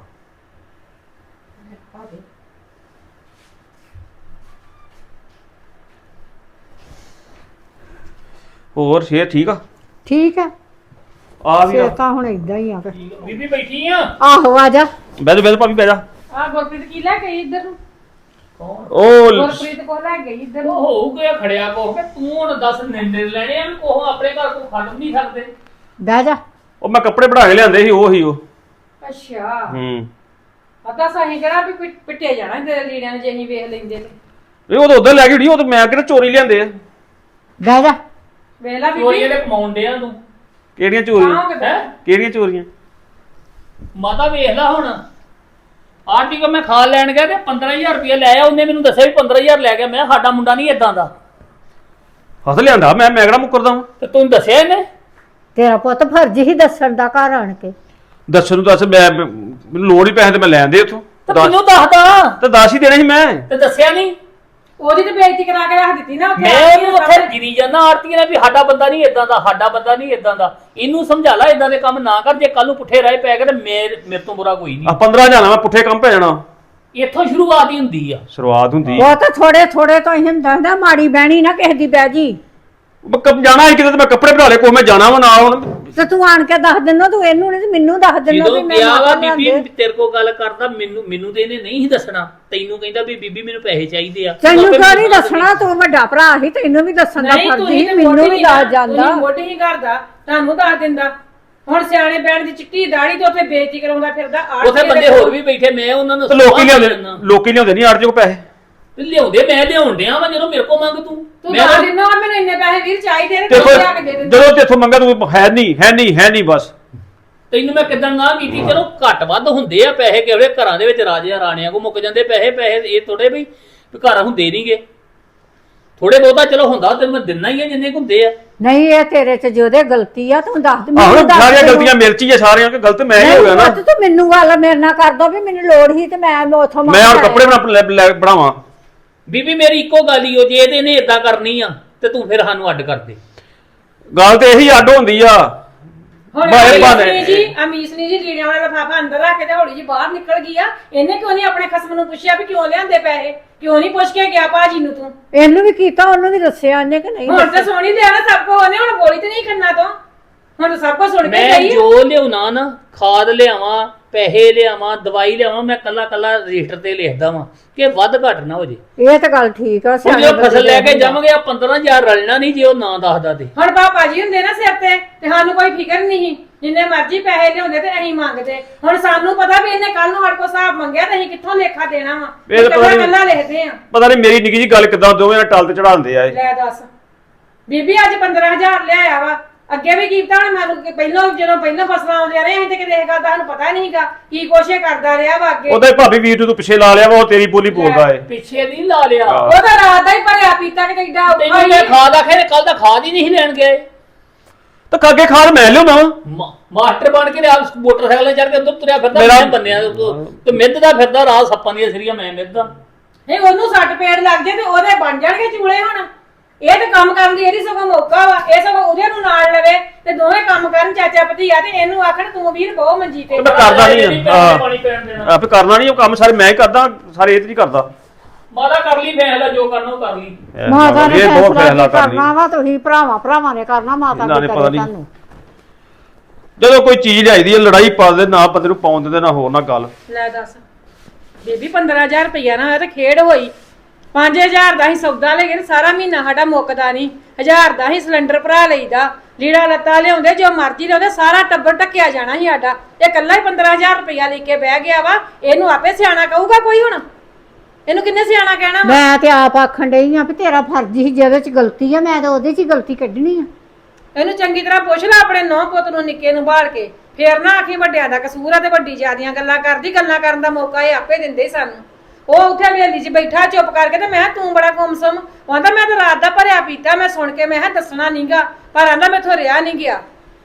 ਹੋਰ ਸ਼ੇਰ ਠੀਕ ਆ?
ਠੀਕ ਆ।
ਆ ਵੀ ਆ।
ਤਾਂ ਹੁਣ ਇਦਾਂ ਹੀ ਆ।
ਬੀਬੀ ਬੈਠੀ ਆ?
ਆਹੋ ਆ ਜਾ।
ਬਹਿ ਭਾਬੀ ਬਹਿ ਜਾ।
ਆ ਗੁਰਪ੍ਰੀਤ ਕੀ ਲੈ ਗਈ ਇੱਧਰ ਨੂੰ?
ਉਹ
ਗੁਰਪ੍ਰੀਤ ਕੋ ਲੈ ਗਈ ਇੱਧਰ ਨੂੰ?
ਉਹ ਹੋਊ ਗਿਆ ਖੜਿਆ ਕੋ ਕਿ ਤੂੰ ਹੁਣ ਦੱਸ ਨਿੰਦੇ ਲੈਣੇ ਆ ਵੀ ਕੋਹ ਆਪਣੇ ਘਰ ਕੋ ਖੜ ਨਹੀਂ ਸਕਦੇ।
ਬਹਿ ਜਾ।
ਉਹ ਮੈਂ ਕੱਪੜੇ ਬਣਾ ਕੇ ਲਿਆਂਦੇ ਸੀ, ਉਹ ਹੀ ਉਹ।
ਅੱਛਾ
ਪਤਾ
ਸਾਹੀਂ ਕਿਹੜਾ ਵੀ ਪਿੱਟੇ ਜਾਣਾ ਤੇਰੇ ਲੀੜਿਆਂ ਨੇ ਜੇ ਅਸੀਂ ਵੇਖ ਲੈਂਦੇ ਤੇ।
ਇਹ ਉਹ ਤਾਂ ਉਧਰ ਲੈ ਕੇ ਗਈ, ਉਹ ਤਾਂ ਮੈਂ ਕਿਹੜਾ ਚੋਰੀ ਲਿਆਂਦੇ ਆ।
ਬਹਿ ਜਾ।
ਵੇਲਾ
ਚੋਰੀ ਇਹਦੇ ਕਮਾਉਂਦੇ ਆ ਤੂੰ।
ਕਿਹੜੀਆਂ ਚੋਰੀਆਂ?
ਹੈ
ਕਿਹੜੀਆਂ ਚੋਰੀਆਂ?
ਮਾਤਾ ਵੇਖ ਲੈ ਹੁਣ, ਆਰਟੀ ਕੋ ਮੈਂ ਖਾਲ ਲੈਣ ਗਿਆ ਤੇ 15,000 ਰੁਪਏ ਲੈ ਆ। ਉਹਨੇ ਮੈਨੂੰ ਦੱਸਿਆ ਵੀ 15,000 ਲੈ ਗਿਆ। ਮੈਂ ਸਾਡਾ ਮੁੰਡਾ ਨਹੀਂ ਇਦਾਂ ਦਾ।
ਹੱਥ ਲਿਆਂਦਾ ਮੈਂ ਕਿਹੜਾ ਮੁੱਕਰਦਾ ਵਾਂ।
ਤੇ ਤੂੰ ਦੱਸਿਆ ਇਹਨੇ?
ਤੇਰਾ ਪੁੱਤ ਫਰਜ਼ ਹੀ ਦੱਸਣ ਦਾ ਘਰ ਆਣ ਕੇ।
ਦੱਸਣ ਨੂੰ ਦੱਸ, ਮੈਨੂੰ ਲੋੜ ਹੀ ਪੈਸੇ ਤੇ ਮੈਂ ਲੈਂਦੇ ਉੱਥੋਂ।
ਤੇ ਮੈਨੂੰ ਦੱਸਦਾ
ਤੇ 10 ਹੀ ਦੇਣੇ ਸੀ ਮੈਂ।
ਤੇ ਦੱਸਿਆ ਨਹੀਂ?
ਉਹਦੀ ਤੇ ਬੇਇੱਜ਼ਤੀ ਕਰਾ ਕੇ ਰੱਖ ਦਿੱਤੀ ਨਾ ਉੱਥੇ।
ਮੈਂ ਇਹਨੂੰ ਉੱਥੇ ਗਿਰੀ ਜਾਂਦਾ ਆਰਤੀ ਨੇ ਵੀ ਸਾਡਾ ਬੰਦਾ ਨਹੀਂ ਇਦਾਂ ਦਾ, ਸਾਡਾ ਬੰਦਾ ਨਹੀਂ ਇਦਾਂ ਦਾ। ਇਹਨੂੰ ਸਮਝਾ ਲੈ ਇਦਾਂ ਦੇ ਕੰਮ ਨਾ ਕਰ, ਜੇ ਕੱਲ ਨੂੰ ਪੁੱਠੇ ਰਾਹ ਪੈ ਗਏ ਤੇ ਮੇਰੇ ਤੋਂ ਬੁਰਾ ਕੋਈ ਨਹੀਂ।
15 ਜਾਣਾ ਮੈਂ ਪੁੱਠੇ ਕੰਮ ਪੈ ਜਾਣਾ।
ਇੱਥੋਂ ਸ਼ੁਰੂਆਤ ਹੀ ਹੁੰਦੀ ਆ।
ਸ਼ੁਰੂਆਤ ਹੁੰਦੀ
ਉਹ ਤਾਂ ਥੋੜੇ ਥੋੜੇ ਤੋਂ ਹੀ ਹੁੰਦਾ, ਮਾੜੀ ਬਹਿਣੀ ਨਾ ਕਿਸੇ ਦੀ ਬਹਿ ਜੀ।
ਜਾਣਾ ਸੀ ਕਿਤੇ ਤੇ ਮੈਂ ਕੱਪੜੇ ਬਣਾ ਲਏ, ਕੋਈ ਮੈਂ ਜਾਣਾ ਵਾ ਨਾ। ਹੁਣ
ਤੇ ਤੂੰ ਆਣ ਕੇ ਦੱਸ ਦਿੰਦਾ, ਤੂੰ ਇਹਨੂੰ ਨਹੀਂ ਤੇ ਮੈਨੂੰ ਦੱਸ ਦਿੰਦਾ
ਜਦੋਂ
ਵੀ ਮੈਂ
ਕਿਹਾ ਵਾ
ਮਾਤਾ
ਬੀਬੀ
ਲਿਆਂਦੇ।
ਤੇਰੇ ਕੋਲ ਗੱਲ ਕਰਦਾ, ਮੈਨੂੰ ਤੇ ਇਹਨੇ ਨਹੀਂ ਸੀ ਦੱਸਣਾ। ਤੈਨੂੰ ਕਹਿੰਦਾ ਵੀ ਬੀਬੀ ਮੈਨੂੰ ਪੈਸੇ ਚਾਹੀਦੇ ਆ।
ਤੈਨੂੰ
ਆਪੇ
ਕਿਉਂ ਨਹੀਂ
ਮੈਨੂੰ
ਦੱਸਣਾ? ਤੂੰ ਵੱਡਾ ਭਰਾ ਸੀ, ਤੈਨੂੰ ਵੀ ਦੱਸਣ ਦਾ
ਨਹੀਂ
ਫਰਜ਼
ਤੁਸੀਂ
ਸੀ,
ਤੇ
ਮੈਨੂੰ
ਮੋਢੀ
ਵੀ
ਹੀ
ਦੱਸ
ਨਾ,
ਜਾਂਦਾ।
ਤੁਸੀਂ ਮੋਢੀ ਹੀ ਕਰਦਾ, ਤੁਹਾਨੂੰ ਦੱਸ ਦਿੰਦਾ। ਹੁਣ ਸਿਆਣੇ ਬੈਣ ਦੀ ਚਿੱਟੀ ਦਾੜੀ ਤੇ ਉੱਥੇ ਬੇਇੱਜ਼ਤੀ ਕਰਾਉਂਦਾ ਫਿਰਦਾ।
ਉੱਥੇ ਬੰਦੇ ਹੋਰ ਵੀ ਬੈਠੇ, ਮੈਂ ਉਹਨਾਂ ਨੂੰ
ਤੇ ਲੋਕੀ ਲਿਆਉਂਦੇ ਨਹੀਂ ਆੜ ਜੋ ਪੈਸੇ।
ਲਿਆਉਂਦੇ, ਮੈਂ ਲਿਆਉਣ ਡਿਆ ਵਾ। ਜਦੋਂ ਮੇਰੇ ਕੋਲ ਮੰਗ ਤੂੰ
ਤੂੰ ਦੱਸ ਦਿੰਦਾ ਮੈਨੂੰ ਇੰਨੇ ਪੈਸੇ ਵੀਰ ਚਾਹੀਦੇ ਨੇ,
ਦੇਖੋ
ਤੂੰ ਲਿਆ ਕੇ ਦੇ ਦਿੰਦਾ।
ਜਦੋਂ ਤੇਥੋਂ ਮੰਗਾ ਤੂੰ ਹੈ ਨਹੀਂ ਬਸ।
ਤੈਨੂੰ ਮੈਂ ਕਿਦਾਂ ਨਾ ਕੀਤੀ। ਚਲੋ ਘੱਟ ਵੱਧ ਹੁੰਦੇ ਆ ਪੈਸੇ, ਕਿਹੜੇ ਘਰਾਂ ਦੇ ਵਿੱਚ ਰਾਜਿਆਂ ਰਾਣੀਆਂ ਕੋ ਮੁੱਕ ਜਾਂਦੇ ਪੈਸੇ ਇਹ ਥੋੜੇ ਵੀ ਘਰ ਹੁੰਦੇ ਨਹੀਂਗੇ। ਥੋੜੇ ਬਹੁਤਾ ਚਲੋ ਹੁੰਦਾ ਤੇ ਮੈਂ ਦਿੰਨਾ ਹੀ ਆ ਜਿੰਨੇ ਕੁ ਹੁੰਦੇ ਆ।
ਨਹੀਂ ਇਹ ਤੇਰੇ ਚ ਜਿਹਦੇ ਗਲਤੀ ਆ, ਤੂੰ ਦੱਸ ਦੇ।
ਆਹੋ ਸਾਰੀਆਂ ਗਲਤੀਆਂ ਮੇਰੇ 'ਚ ਹੀ ਆ, ਸਾਰਿਆਂ ਕਿ ਗਲਤ ਮੈਂ ਹੀ ਹੋ ਗਿਆ ਨਾ।
ਤੂੰ ਮੈਨੂੰ ਗੱਲ ਮੇਰੇ ਨਾਲ ਕਰਦਾ ਵੀ ਮੈਨੂੰ ਲੋੜ ਸੀ ਤੇ ਮੈਂ ਉਥੋਂ
ਮੈਂ ਹੁਣ ਕੱਪੜੇ ਬਣਾਵਾਂ।
ਬੀਬੀ ਮੇਰੀ ਇੱਕੋ ਗੱਲ ਹੀ ਉਹ, ਜੇ ਇਹਨੇ ਇਦਾਂ ਕਰਨੀ ਆ ਤੇ ਤੂੰ ਫਿਰ ਸਾਨੂੰ ਅੱਡ ਕਰ ਦੇ।
ਗੱਲ ਤੇ ਇਹੀ ਅੱਡ ਹੁੰਦੀ ਆ।
ਹੁਣ ਅਮੀਸ ਨੇ ਜੀ ਲੀੜਿਆਂ ਵਾਲਾ ਲਿਫਾਫਾ ਅੰਦਰ ਰੱਖ ਕੇ ਤੇ ਹੌਲੀ ਜੀ ਬਾਹਰ ਨਿਕਲ ਗਈ ਆ। ਇਹਨੇ ਕਿਉਂ ਨਹੀਂ ਆਪਣੇ ਖਸਮ ਨੂੰ ਪੁੱਛਿਆ ਵੀ ਕਿਉਂ ਲਿਆਂਦੇ ਪੈਸੇ? ਕਿਉਂ ਨਹੀਂ ਪੁੱਛ ਕੇ ਗਿਆ ਭਾਜੀ ਨੂੰ ਤੂੰ?
ਇਹਨੂੰ ਵੀ ਕੀਤਾ, ਉਹਨੂੰ ਵੀ ਦੱਸਿਆ ਇਹਨੇ ਕਿ ਨਹੀਂ
ਹੁਣ ਤਾਂ ਸੋਣੀ ਲਿਆ ਨਾ ਸਭ ਕੋ, ਉਹਨੇ ਹੁਣ ਗੋਲੀ ਤੇ ਨਹੀਂ ਖੰਨਾ ਤੋਂ। ਹੁਣ ਸਭ ਕੁਝ ਸੁਣ ਕੇ
ਮੈਂ
ਗਈ
ਜੋ ਲਿਆਉਣਾ ਨਾ, ਖਾਦ ਲਿਆਵਾਂ, ਪੈਸੇ ਲਿਆਵਾਂ, ਦਵਾਈ ਲਿਆਵਾਂ, ਮੈਂ ਕੱਲਾ ਰਜਿਸਟਰ ਤੇ ਲਿਖਦਾ ਵਾਂ ਕਿ ਵੱਧ ਘੱਟ ਨਾ ਹੋ ਜੇ।
ਇਹ ਤਾਂ ਗੱਲ ਠੀਕ ਆ।
ਹੁਣ ਜੇ ਫਸਲ ਲੈ ਕੇ ਜਾਵਾਂਗੇ ਆ 15000 ਰਲਣਾ ਨਹੀਂ ਜੇ ਉਹ ਨਾ ਦੱਸਦਾ ਤੇ।
ਹੁਣ ਪਾਪਾ ਜੀ ਹੁੰਦੇ ਨਾ ਸਿਰ ਤੇ ਸਾਨੂੰ ਕੋਈ ਫਿਕਰ ਨਹੀਂ, ਜਿੰਨੇ ਮਰਜ਼ੀ ਪੈਸੇ ਲਿਆਉਂਦੇ ਤੇ ਅਸੀਂ ਮੰਗਦੇ। ਹੁਣ ਸਾਨੂੰ ਪਤਾ ਵੀ ਇਹਨੇ ਕੱਲ ਨੂੰ ਸਾਡੇ ਕੋਲ ਹਿਸਾਬ ਮੰਗਿਆ ਤੇ ਅਸੀਂ ਕਿੱਥੋਂ ਲੇਖਾ ਦੇਣਾ ਵਾ। ਕੱਲਾ ਲਿਖਦੇ ਆ।
ਪਤਾ ਨਹੀਂ ਮੇਰੀ ਨਿੱਕੀ ਜੀ ਗੱਲ ਕਿਦਾਂ ਦੋਵੇਂ ਨਾਲ ਟਲ ਤੇ ਚੜਾਉਂਦੇ ਆ ਇਹ।
ਲੈ ਦੱਸ ਬੀਬੀ ਅੱਜ 15000 ਲਿਆਇਆ ਵਾ। ਅੱਗੇ ਵੀ ਕੀਤਾ ਹੁਣ ਮੈਨੂੰ ਪਹਿਲਾਂ ਫਸਲਾਂ ਆਉਂਦੀਆਂ ਰਹੇ ਅਸੀਂ ਤੇ ਕਿਤੇ ਇਹ ਗੱਲ ਦਾ ਸਾਨੂੰ ਪਤਾ ਨਹੀਂਗਾ ਕੀ ਕੋਸ਼ਿਸ਼ ਕਰਦਾ ਰਿਹਾ ਵਾ ਅੱਗੇ।
ਉਹਦਾ ਭਾਬੀ ਵੀਰ ਤੂੰ ਪਿੱਛੇ ਲਾ ਲਿਆ ਵਾ, ਉਹ ਤੇਰੀ ਬੋਲੀ ਬੋਲਦਾ ਏ।
ਪਿੱਛੇ ਨਹੀਂ ਲਾ ਲਿਆ,
ਉਹਦਾ ਰਾਤ ਦਾ ਹੀ ਭਰਿਆ ਪੀਤਾ ਕਿ ਕਿੱਡਾ ਔਖਾ
ਤੈਨੂੰ ਮੈਂ ਖਾਦ ਆਖਿਆ ਕੱਲ ਦਾ ਖਾਦ ਹੀ ਨਹੀਂ ਲੈਣ ਗਏ।
ਤਾਂ ਕਾਗੇ ਖਾਦ ਮੈਂ ਲਿਆਉਣਾ
ਮਾਸਟਰ ਬਣ ਕੇ ਆਪ ਮੋਟਰਸਾਈਕਲ ਤੇ ਚੜ ਕੇ ਅੰਦਰ ਤੁਰਿਆ ਫਿਰਦਾ, ਮੈਂ ਬੰਨਿਆ ਤੇ ਮਿੱਧ ਦਾ ਫਿਰਦਾ ਰਾਤ ਸੱਪਾਂ ਦੀਆਂ ਸਿਰੀਆਂ ਮੈਂ ਮਿੱਧਦਾ।
ਨਹੀਂ ਉਹਨੂੰ ਸੱਟ ਪੇੜ ਲੱਗ ਜੇ ਤੇ ਉਹਦੇ ਬਣ ਜਾਣਗੇ ਚੂਲੇ। ਹੁਣ ਇਹ ਤੇ ਕੰਮ ਕਰਨ ਦੀ ਇਹਦੀ ਸਗੋਂ ਮੌਕਾ ਵਾ। ਇਹ ਸਗੋਂ ਉਹਦੇ ਨੂੰ ਨਾਲ ਲਵੇ ਤੇ ਦੋਵੇਂ ਕੰਮ ਕਰਨ ਚਾਚਾ ਭਤੀਆ ਤੇ ਇਹਨੂੰ ਆਖਣ ਤੂੰ ਵੀਰ ਬਹੁਤ ਮੰਜੀ ਤੇ।
ਮੈਂ ਕਰਦਾ ਨਹੀਂ ਆਪੇ ਕਰਨਾ ਨਹੀਂ ਉਹ ਕੰਮ ਸਾਰੇ ਮੈਂ ਹੀ ਕਰਦਾ, ਸਾਰੇ ਇਹ ਤੇ ਨਹੀਂ ਕਰਦਾ।
ਮਾਤਾ ਕਰ ਲਈ ਫੈਸਲਾ, ਜੋ ਕਰਨਾ ਉਹ ਕਰ ਲਈ।
ਮਾਤਾ ਨੇ
ਇਹ ਬਹੁਤ
ਫੈਸਲਾ
ਕਰ ਲਈ।
ਕਰਨਾ ਵਾ, ਤੁਸੀਂ ਭਰਾਵਾਂ ਨੇ ਕਰਨਾ, ਮਾਤਾ ਨੇ ਕਰਨਾ ਤੁਹਾਨੂੰ।
ਜਦੋਂ ਕੋਈ ਚੀਜ਼ ਲਿਆਈਦੀ ਹੈ ਲੜਾਈ ਪਾ ਦੇ ਨਾ ਬੰਦੇ ਨੂੰ ਪਾਉਣ ਦਿੰਦੇ ਨਾ ਹੋਰ ਨਾ ਗੱਲ।
ਲੈ ਦੱਸ ਬੀਬੀ 15000 ਰੁਪਇਆ ਨਾ ਹੋਇਆ ਤੇ ਖੇਡ ਹੋਈ। 5000 ਦਾ ਹੀ ਸੌਦਾ ਲੈ ਗਏ, ਸਾਰਾ ਮਹੀਨਾ ਸਾਡਾ ਮੁੱਕਦਾ ਨਹੀਂ। 1000 ਦਾ ਹੀ ਸਿਲੰਡਰ ਭਰਾ ਲਈਦਾ, ਲੀੜਾ ਲੱਤਾ ਲਿਆਉਂਦੇ, ਜੋ ਮਰਜ਼ੀ ਲਿਆਉਂਦੇ, ਸਾਰਾ ਟੱਬਰ ਢੱਕਿਆ ਜਾਣਾ ਸੀ ਸਾਡਾ। ਇਹ ਇਕੱਲਾ ਹੀ 15000 ਰੁਪਇਆ ਲੈ ਕੇ ਬਹਿ ਗਿਆ ਵਾ। ਇਹਨੂੰ ਆਪੇ ਸਿਆਣਾ ਕਹੂਗਾ ਕੋਈ? ਹੁਣ ਇਹਨੂੰ ਕਿੰਨੇ ਸਿਆਣਾ ਕਹਿਣਾ?
ਮੈਂ ਤੇ ਆਪ ਆਖਣ ਡਈ ਆ ਵੀ ਤੇਰਾ ਫਰਜ਼ ਹੀ, ਜਿਹਦੇ ਚ ਗਲਤੀ ਆ ਮੈਂ ਤਾਂ ਉਹਦੇ ਚ ਹੀ ਗਲਤੀ ਕੱਢਣੀ ਆ।
ਇਹਨੂੰ ਚੰਗੀ ਤਰ੍ਹਾਂ ਪੁੱਛ ਲੈ ਆਪਣੇ ਨੌ ਪੁੱਤ ਨੂੰ ਨਿੱਕੇ ਨੂੰ ਬਾਲ ਕੇ, ਫੇਰ ਨਾ ਆਖੀ ਵੱਡਿਆਂ ਦਾ ਕਸੂਰ ਆ ਤੇ ਵੱਡੀ ਜਿਆਦੀਆਂ ਗੱਲਾਂ ਕਰਦੀ। ਗੱਲਾਂ ਕਰਨ ਦਾ ਮੌਕਾ ਇਹ ਆਪੇ ਦਿੰਦੇ ਸਾਨੂੰ। ਉਹ ਉੱਥੇ ਹਵੇਲੀ 'ਚ ਬੈਠਾ ਚੁੱਪ ਕਰਕੇ ਤੇ ਮੈਂ ਕਿਹਾ ਤੂੰ ਬੜਾ ਗੁੰਮਸਮ। ਕਹਿੰਦਾ ਮੈਂ ਤਾਂ ਰਾਤ ਦਾ ਭਰਿਆ ਪੀਤਾ, ਮੈਂ ਸੁਣ ਕੇ ਮੈਂ ਕਿਹਾ ਦੱਸਣਾ ਨਹੀਂਗਾ, ਪਰ ਆਂਦਾ ਮੈਥੋਂ ਰਿਹਾ ਨਹੀਂ ਗਿਆ।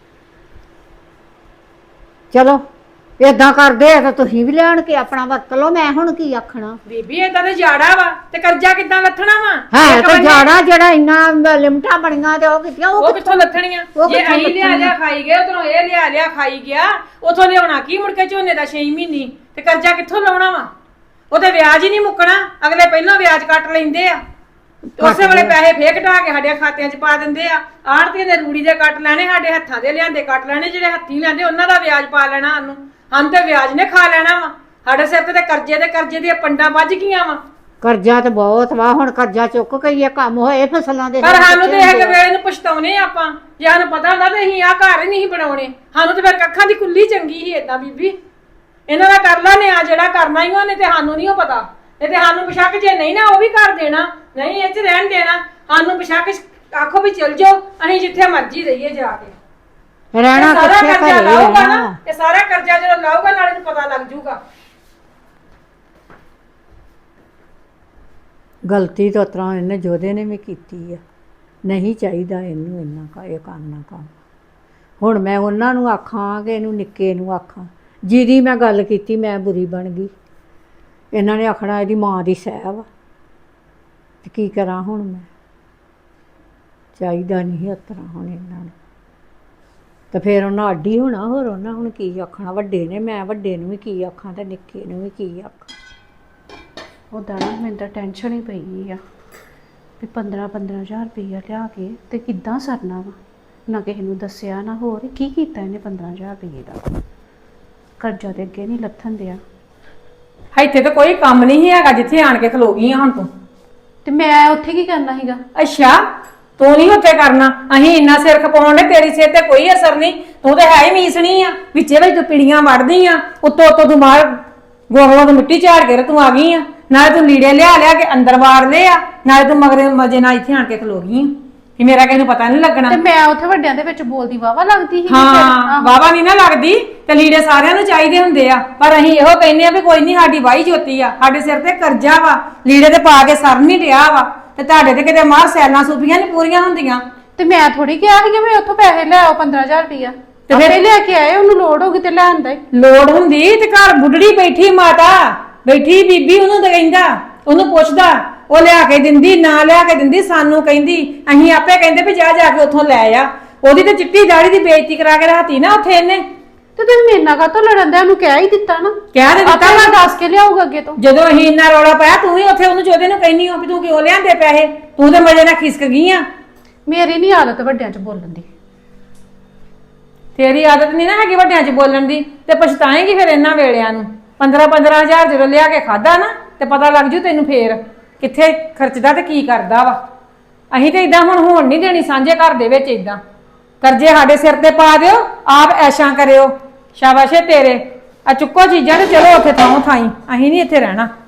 ਚਲੋ ਏਦਾਂ ਕਰਦੇ ਆ ਤਾਂ ਤੁਸੀਂ ਵੀ ਲੈਣ ਕੇ ਆਪਣਾ ਵਰਤ ਲਓ, ਮੈਂ ਹੁਣ ਕੀ ਆਖਣਾ।
ਬੀਬੀ ਏਦਾਂ ਤੇ ਜਾੜਾ ਵਾ ਤੇ ਕਰਜ਼ਾ ਕਿੱਦਾਂ ਲੱਥਣਾ ਵਾ?
ਹੈ ਤਾਂ ਜਾੜਾ ਜਿਹੜਾ ਇੰਨਾ ਲਿਮਟਾਂ ਬਣੀਆਂ ਤੇ ਉਹ ਕਿੱਥੋਂ
ਉਹ ਕਿੱਥੋਂ ਲੱਥਣੀਆਂ? ਜੇ ਅਸੀਂ ਲਿਆ ਖਾਈ ਗਏ, ਉਧਰੋਂ ਇਹ ਲਿਆ ਖਾਈ ਗਿਆ, ਉਥੋਂ ਲਿਆਉਣਾ ਕੀ ਮੁੜ ਕੇ ਝੋਨੇ ਦਾ 6 ਮਹੀਨੇ ਤੇ ਕਰਜ਼ਾ ਕਿੱਥੋਂ ਲਾਉਣਾ ਵਾ? ਉਹਦੇ ਵਿਆਜ ਹੀ ਨਹੀਂ ਮੁੱਕਣਾ, ਅਗਲੇ ਪਹਿਲਾਂ ਵਿਆਜ ਕੱਟ ਲੈਂਦੇ ਆ, ਉਸੇ ਵੇਲੇ ਪੈਸੇ ਫੇਰ ਘਟਾ ਕੇ ਸਾਡੇ ਖਾਤਿਆਂ 'ਚ ਪਾ ਦਿੰਦੇ ਆ। ਆੜਤੀਆਂ ਦੇ ਰੂੜੀ ਦੇ ਕੱਟ ਲੈਣੇ, ਸਾਡੇ ਹੱਥਾਂ ਦੇ ਲਿਆਂਦੇ ਕੱਟ ਲੈਣੇ, ਜਿਹੜੇ ਹੱਥੀਂ ਲਿਆਂਦੇ ਉਹਨਾਂ ਦਾ ਵਿਆਜ ਪਾ ਲੈਣਾ ਸਾਨੂੰ। ਹਮ ਤੇ ਵਿਆਜ ਨੇ ਖਾ ਲੈਣਾ ਵਾ। ਸਾਡੇ ਸਿਰ ਤੇ ਕਰਜ਼ੇ ਦੀਆਂ ਪੰਡਾਂ ਵੱਜ ਗਈਆਂ ਵਾ।
ਕਰਜ਼ਾ ਤਾਂ ਬਹੁਤ ਵਾ, ਹੁਣ ਕਰਜ਼ਾ ਚੁੱਕ ਕੇ ਇਹ ਕੰਮ ਹੋਏ ਫਸਲਾਂ ਦੇ।
ਪਰ ਸਾਨੂੰ ਤੇ ਇਹ ਵੇਲੇ ਨੂੰ ਪਛਤਾਉਨੇ ਆਪਾਂ, ਜੇ ਸਾਨੂੰ ਪਤਾ ਹੁੰਦਾ ਤੇ ਅਸੀਂ ਆਹ ਘਰ ਹੀ ਨਹੀਂ ਬਣਾਉਣੇ। ਸਾਨੂੰ ਤੇ ਫਿਰ ਕੱਖਾਂ ਦੀ ਕੁੱਲੀ ਚੰਗੀ ਸੀ ਏਦਾਂ। ਬੀਬੀ ਇਹਨਾਂ ਦਾ ਕਰ ਲਾ ਨੇ ਆ ਜਿਹੜਾ ਕਰਨਾ ਹੀ ਉਹਨੇ, ਤੇ ਸਾਨੂੰ ਨਹੀਂ ਉਹ ਪਤਾ। ਤੇ ਸਾਨੂੰ ਬਸ਼ੱਕ ਜੇ ਨਹੀਂ ਨਾ ਉਹ ਵੀ ਕਰ ਦੇਣਾ, ਨਹੀਂ ਇਹ 'ਚ ਰਹਿਣ ਦੇਣਾ। ਸਾਨੂੰ ਬਸ਼ੱਕ ਆਖੋ ਵੀ ਚਲ ਜਾਓ, ਅਸੀਂ ਜਿੱਥੇ ਮਰਜ਼ੀ ਰਹੀਏ ਜਾ ਕੇ।
ਰਹਿਣਾ
ਸਾਰਾ
ਕਿੱਥੇ
ਕਰਜ਼ਾ
ਘਰੇ
ਲਾਊਗਾ
ਰਹਿਣਾ।
ਨਾ, ਇਹ ਸਾਰਾ ਕਰਜ਼ਾ ਜਦੋਂ ਲਾਊਗਾ ਨਾਲੇ ਨੂੰ ਪਤਾ ਲੱਗ ਜੂਗਾ।
ਗਲਤੀ ਤਾਂ ਤਰ੍ਹਾਂ ਇਹਨੇ ਜੋਦੇ ਨੇ ਵੀ ਕੀਤੀ ਆ, ਨਹੀਂ ਚਾਹੀਦਾ ਇਹਨੂੰ ਇੰਨਾ ਇਹ ਕਰਨਾ ਕੰਮ। ਹੁਣ ਮੈਂ ਉਹਨਾਂ ਨੂੰ ਆਖਾਂ ਕਿ ਇਹਨੂੰ ਨਿੱਕੇ ਨੂੰ ਆਖਾਂ, ਜਿਹਦੀ ਮੈਂ ਗੱਲ ਕੀਤੀ ਮੈਂ ਬੁਰੀ ਬਣ ਗਈ। ਇਹਨਾਂ ਨੇ ਆਖਣਾ ਇਹਦੀ ਮਾਂ ਦੀ ਸਹਿ ਵਾ, ਤੇ ਕੀ ਕਰਾਂ ਹੁਣ ਮੈਂ? ਚਾਹੀਦਾ ਨਹੀਂ ਇਸ ਤਰ੍ਹਾਂ ਹੁਣ ਇਹਨਾਂ ਨੂੰ। ਤੇ ਫਿਰ ਉਹਨਾਂ ਅੱਡੀ ਹੋਣਾ, ਹੋਰ ਉਹਨਾਂ ਹੁਣ ਕੀ ਆਖਣਾ? ਵੱਡੇ ਨੇ, ਮੈਂ ਵੱਡੇ ਨੂੰ ਵੀ ਕੀ ਆਖਾਂ ਤੇ ਨਿੱਕੇ ਨੂੰ ਵੀ ਕੀ ਆਖਾਂ?
ਉੱਦਾਂ ਨਾ ਮੈਨੂੰ ਤਾਂ ਟੈਨਸ਼ਨ ਹੀ ਪਈ ਆ ਵੀ 15-15000 ਰੁਪਈਆ ਲਿਆ ਕੇ ਤੇ ਕਿੱਦਾਂ ਸਰਨਾ ਵਾ। ਨਾ ਕਿਸੇ ਨੂੰ ਦੱਸਿਆ ਨਾ ਹੋਰ ਕੀ ਕੀਤਾ ਇਹਨੇ 15000 ਰੁਪਏ ਦਾ। ਕਰਜ਼ਾ ਤੇ ਅੱਗੇ ਨਹੀਂ ਲੱਥਣ ਦਿਆ।
ਇੱਥੇ ਤਾਂ ਕੋਈ ਕੰਮ ਨਹੀਂ ਹੈਗਾ ਜਿੱਥੇ ਆਣ ਕੇ ਖਲੋ ਗਈ ਆ ਹੁਣ ਤੂੰ।
ਤੇ ਮੈਂ ਉੱਥੇ ਕੀ ਕਰਨਾ ਸੀਗਾ?
ਅੱਛਾ, ਤੂੰ ਨਹੀਂ ਉੱਥੇ ਕਰਨਾ। ਅਸੀਂ ਇੰਨਾ ਸਿਰ ਖਪਾਉਣ ਦੇ, ਤੇਰੀ ਸਿਰ ਤੇ ਕੋਈ ਅਸਰ ਨਹੀਂ। ਤੂੰ ਤੇ ਹੈ ਹੀ ਮੀਸਣੀ ਆ, ਵਿੱਚੇ ਵਿੱਚ ਤੂੰ ਪਿੜੀਆਂ ਵੜਦੀ ਆ, ਉੱਤੋਂ ਤੂੰ ਮਾਰ ਗੋਹਲਾਂ ਤੋਂ ਮਿੱਟੀ ਝਾੜ ਕੇ ਤੂੰ ਆ ਗਈ ਆ। ਨਾਲੇ ਤੂੰ ਲੀੜੇ ਲਿਆ ਕੇ ਅੰਦਰ ਵਾੜ ਲਏ ਆ, ਨਾਲੇ ਤੂੰ ਮਗਰੇ ਮਜੇ ਨਾਲ ਇੱਥੇ ਆਣ ਕੇ ਖਲੋ ਗਈ ਆ ਕਿ ਮੇਰਾ ਕਿਸੇ ਨੂੰ ਪਤਾ ਨਹੀਂ ਲੱਗਣਾ।
ਤੇ ਮੈਂ ਉੱਥੇ ਵੱਡਿਆਂ ਦੇ ਵਿੱਚ ਬੋਲਦੀ ਵਾਵਾ ਲੱਗਦੀ ਸੀ।
ਹਾਂ, ਵਾਵਾ ਨਹੀਂ ਨਾ ਲੱਗਦੀ ਤੇ ਲੀੜੇ ਸਾਰਿਆਂ ਨੂੰ ਚਾਹੀਦੇ ਹੁੰਦੇ ਆ, ਪਰ ਅਸੀਂ ਇਹੋ ਕਹਿੰਦੇ ਆ ਵੀ ਕੋਈ ਨਹੀਂ, ਸਾਡੀ ਵਾਹੀ ਜੋਤੀ ਆ, ਸਾਡੇ ਸਿਰ ਤੇ ਕਰਜ਼ਾ ਵਾ, ਲੀੜੇ ਤੇ ਪਾ ਕੇ ਸਰ ਨਹੀਂ ਡਿਆ ਵਾ, ਤੇ ਤੁਹਾਡੇ ਤੇ ਕਿਤੇ ਮਾਰ ਸੈਲਾਂ ਸੂਪੀਆਂ ਨਹੀਂ ਪੂਰੀਆਂ ਹੁੰਦੀਆਂ।
ਤੇ ਮੈਂ ਥੋੜੀ ਕਿਹਾ ਸੀਗਾ ਵੀ ਉੱਥੋਂ ਪੈਸੇ ਲੈ ਆਓ 15000 ਰੁਪਇਆ।
ਤੇ ਫਿਰ
ਲੈ ਕੇ ਆਏ, ਉਹਨੂੰ ਲੋੜ ਹੋਗੀ ਤੇ ਲੈ ਆਂਦਾ।
ਲੋੜ ਹੁੰਦੀ ਤੇ ਘਰ ਬੁੱਢੜੀ ਬੈਠੀ ਮਾਤਾ ਬੈਠੀ ਬੀਬੀ, ਉਹਨੂੰ ਤਾਂ ਕਹਿੰਦਾ, ਉਹਨੂੰ ਪੁੱਛਦਾ, ਉਹ ਲਿਆ ਕੇ ਦਿੰਦੀ, ਨਾ ਲਿਆ ਕੇ ਦਿੰਦੀ ਸਾਨੂੰ ਕਹਿੰਦੀ, ਅਸੀਂ ਆਪੇ ਕਹਿੰਦੇ ਵੀ ਜਾ ਕੇ ਉੱਥੋਂ ਲੈ ਆ। ਉਹਦੀ ਤੇ ਚਿੱਟੀ ਦਾੜੀ ਦੀ ਬੇਇੱਜ਼ਤੀ ਕਰਾ ਕੇ ਰਾਤੀ ਨਾ ਉੱਥੇ ਇਹਨੇ।
ਤੇ ਤੁਸੀਂ ਮੇਰੇ ਨਾਲ ਕਾਹਤੋਂ ਲੜਨ ਦੇ? ਉਹਨੂੰ ਕਹਿ ਹੀ ਦਿੱਤਾ ਨਾ।
ਕਹਿ ਦੇ ਦਿੱਤਾ
ਮੈਂ ਦੱਸ ਕੇ ਲਿਆਊਗਾ ਅੱਗੇ ਤੋਂ।
ਜਦੋਂ ਅਸੀਂ ਇੰਨਾ ਰੌਲਾ ਪਾਇਆ, ਤੂੰ ਵੀ ਉੱਥੇ ਉਹਨੂੰ ਜੋਦੇ ਨੂੰ ਕਹਿੰਦੀ ਹੋ ਵੀ ਤੂੰ ਕਿਉਂ ਲਿਆਂਦੇ ਪੈਸੇ, ਤੂੰ ਤੇ ਮਜੇ ਨਾਲ ਖਿਸਕ ਗਈ ਆ।
ਮੇਰੀ ਨਹੀਂ ਆਦਤ ਵੱਡਿਆਂ 'ਚ ਬੋਲਣ ਦੀ।
ਤੇਰੀ ਆਦਤ ਨਹੀਂ ਨਾ ਹੈਗੀ ਵੱਡਿਆਂ 'ਚ ਬੋਲਣ ਦੀ, ਤੇ ਪਛਤਾਏਂਗੀ ਫਿਰ ਇਹਨਾਂ ਵੇਲਿਆਂ ਨੂੰ। 15-15000 ਜਦੋਂ ਲਿਆ ਕੇ ਖਾਦਾ ਨਾ ਤੇ ਪਤਾ ਲੱਗ ਜੂ ਤੈਨੂੰ ਫੇਰ ਕਿੱਥੇ ਖਰਚਦਾ ਤੇ ਕੀ ਕਰਦਾ ਵਾ। ਅਸੀਂ ਤੇ ਇਦਾਂ ਹੁਣ ਹੋਣ ਨਹੀਂ ਦੇਣੀ ਸਾਂਝੇ ਘਰ ਦੇ ਵਿੱਚ। ਇਦਾਂ ਕਰਜ਼ੇ ਸਾਡੇ ਸਿਰ ਤੇ ਪਾ ਦਿਓ, ਆਪ ਐਸ਼ਾਂ ਕਰਿਓ। ਸ਼ਾਬਾਸ਼ ਏ ਤੇਰੇ। ਆ ਚੁੱਕੋ ਚੀਜ਼ਾਂ ਤੇ ਚਲੋ ਉੱਥੇ ਥਾਂ ਥਾਈ, ਅਸੀਂ ਨਹੀਂ ਇੱਥੇ ਰਹਿਣਾ।